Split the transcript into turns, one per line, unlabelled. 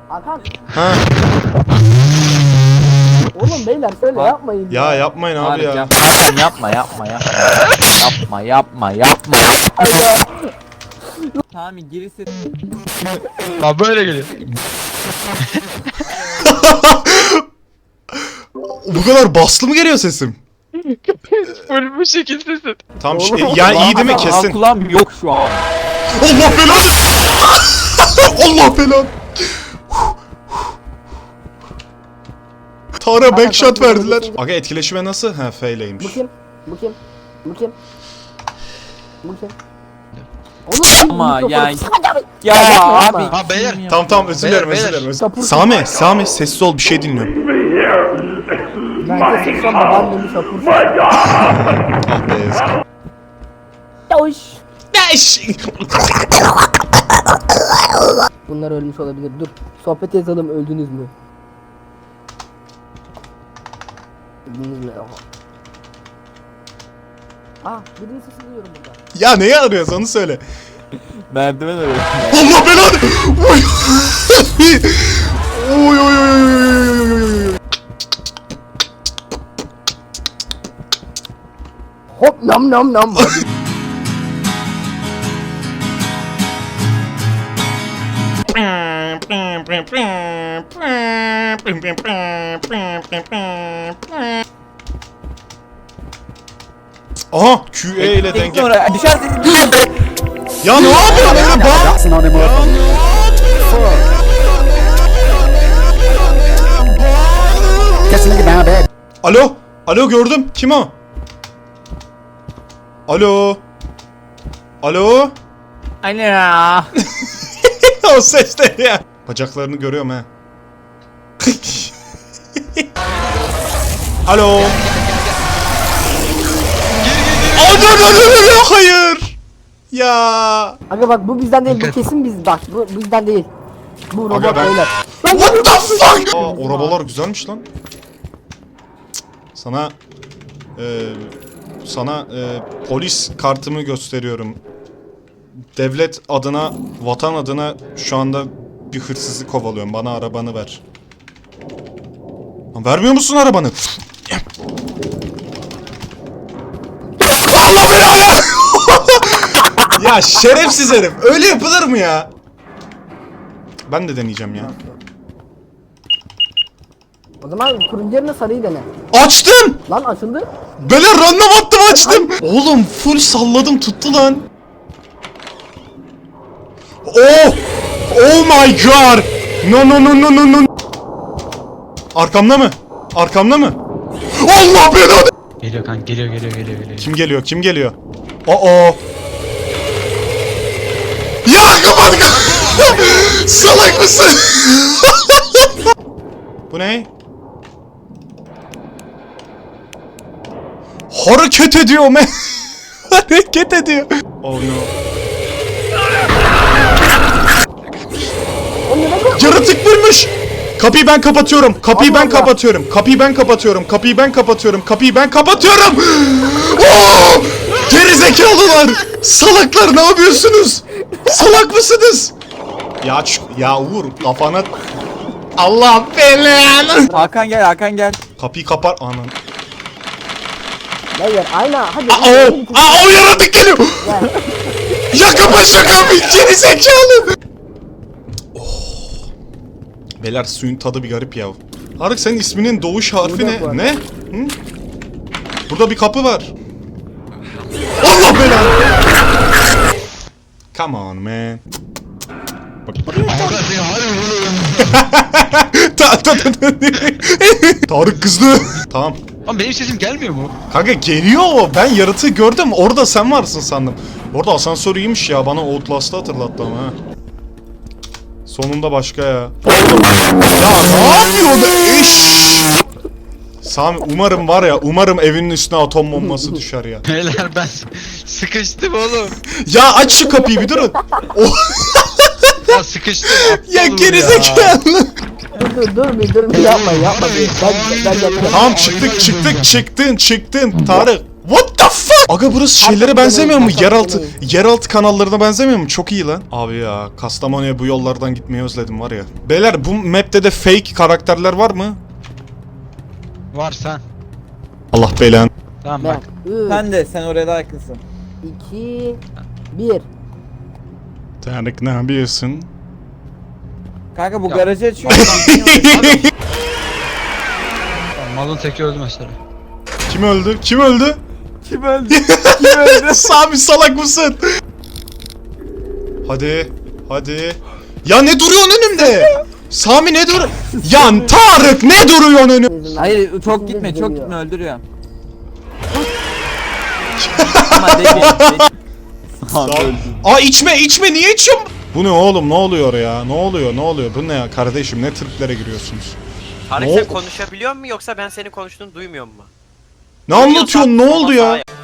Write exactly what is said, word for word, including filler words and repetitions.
Hakan.
Ha.
Oğlum beyler şöyle yapmayın.
Ya yapmayın abi
Abi
ya.
yap. Hakan yapma yapma yapma. Yapma yapma yapma.
Hayda.
Sami gerisi.
Abi böyle geliyor.
Bu kadar baslı mı geliyor sesim?
Böyle bu şekildesin.
Tam
Oğlum,
şey, ya iyi değil mi
Hakan,
kesin?
kulağım yok şu an.
Allah belanı. Allah belanı. Tara backshot verdiler. Aga etkileşime nasıl? Ha
Bu
fail'eymiş.
kim? Bu kim? Bu kim? Bu kim? Oğlum
Ama
mikrofonu-
yani-
Ya
Ya
yapma.
abi.
Ha beyler.
Tamam tamam özür dilerim
Beyler,
özür
beyler.
dilerim. özür-
Sapır.
Sami Sami sessiz ol bir şey dinliyorum.
Ben de seksen babaannemi sapır.
Ah be yazık.
Yavuş.
Eş!
Bunlar ölmüş olabilir. Dur. Sohbet yazalım, öldünüz mü? Öldünüz mü? Aa, birinin sesini duyuyorum burada.
Ya neyi arıyoruz onu söyle.
Merdiven arıyor.
Allah belanı. Oy. Oy oy oy oy oy oy oy.
Hop nam nam nam.
Aha Q E ile denge.
Sonra düşersin düşersin.
Ya ne yapıyorsun öyle bak? Alo. Alo gördüm. Kim o? Alo. Alo.
Ana.
O ses ne ya? Bacaklarını görüyorum ha. Alo. Aa, dur, dur, dur, dur, hayır. Ya.
Aga bak bu bizden değil, bu kesin biz bak bu bizden değil. Bu robot
Aga ben-
beyler.
What the fuck? Aa, o arabalar güzelmiş lan. Sana e, sana e, polis kartımı gösteriyorum. Devlet adına, vatan adına şu anda bir hırsızı kovalıyorum. Bana arabanı ver. Lan vermiyor musun arabanı? Allah belanı! Ya şerefsiz herif. Öyle yapılır mı ya? Ben de deneyeceğim ya.
O zaman turuncu yerine sarıyı dene.
Açtım!
Lan açıldı.
Böyle random attım açtım. Oğlum full salladım tuttu lan. Oh! Oh my god! No no no no no no. Arkamda mı? Arkamda mı? Allah belanı!
Geliyor kanka geliyor geliyor geliyor geliyor.
Kim geliyor? Kim geliyor? Oo. Ya kapat kapat. Salak mısın? Bu ne? Hareket ediyor me. Hareket ediyor. Oh no. Yaratık vurmuş. Kapıyı ben kapatıyorum. Kapıyı ben kapatıyorum. Kapıyı ben kapatıyorum. Kapıyı ben kapatıyorum. Kapıyı ben kapatıyorum. Oo! Geri zekalılar. Salaklar ne yapıyorsunuz? Salak mısınız? Ya ç- ya Uğur kafana Allah belanı.
Hakan gel Hakan gel.
Kapıyı kapar anan.
Beyler aynen hadi.
Aa o, aa o yaratık geliyor. Ya kapa şu kapıyı geri zekalı. Oh. Beyler suyun tadı bir garip ya. Tarık senin isminin doğuş harfi
Burada
ne?
var.
Ne? Hı? Burada bir kapı var. Allah belanı. Come on man. Bak. Ta- ta- ta- ta- Tarık kızdı. Tamam.
Lan benim sesim gelmiyor mu?
Kanka geliyor o. Ben yaratığı gördüm. Orada sen varsın sandım. Orada asansör iyiymiş ya. Bana Outlast'ı hatırlattı ama ha. Sonunda başka ya. Ya ne yapıyor be? Eş! Sami umarım var ya. Umarım evinin üstüne atom bombası düşer ya.
Beyler ben sıkıştım oğlum.
Ya aç şu kapıyı bir durun. Oh,
Ya sıkıştım.
ya
aptalım
gerizekalı.
Dur dur dur bir dur bir yapma yapma. bir. Ben ben yapacağım.
Tamam çıktık çıktık çıktın çıktın Tarık. What the fuck? Aga burası şeylere benzemiyor mu? Yeraltı yeraltı kanallarına benzemiyor mu? Çok iyi lan. Abi ya Kastamonu'ya bu yollardan gitmeyi özledim var ya. Beyler bu map'te de fake karakterler var mı?
Var sen.
Allah belanı.
Tamam
Ben
bak.
üç,
Sen de sen oraya daha yakınsın.
iki, bir.
Tarık ne yapıyorsun?
Kanka bu
Ya.
garajı açıyor.
Malın teki öldü mesela.
Kim öldü? Kim öldü?
Kim öldü? Kim öldü?
Sami salak mısın? Hadi. Hadi. Ya ne duruyorsun önümde? Sami ne dur? Ya Tarık ne duruyorsun önümde?
Hayır çok
İkimiz
gitme
de
çok
geliyor.
gitme öldürüyor. Ama değil.
Aa içme içme niye içiyorsun? Bu ne oğlum ne oluyor ya? Ne oluyor ne oluyor? Bu ne ya kardeşim ne triplere giriyorsunuz?
Tarık
Ne
sen
oldu?
konuşabiliyor musun yoksa ben senin konuştuğunu duymuyor mu?
Ne anlatıyorsun ne oldu ya?
Sağ-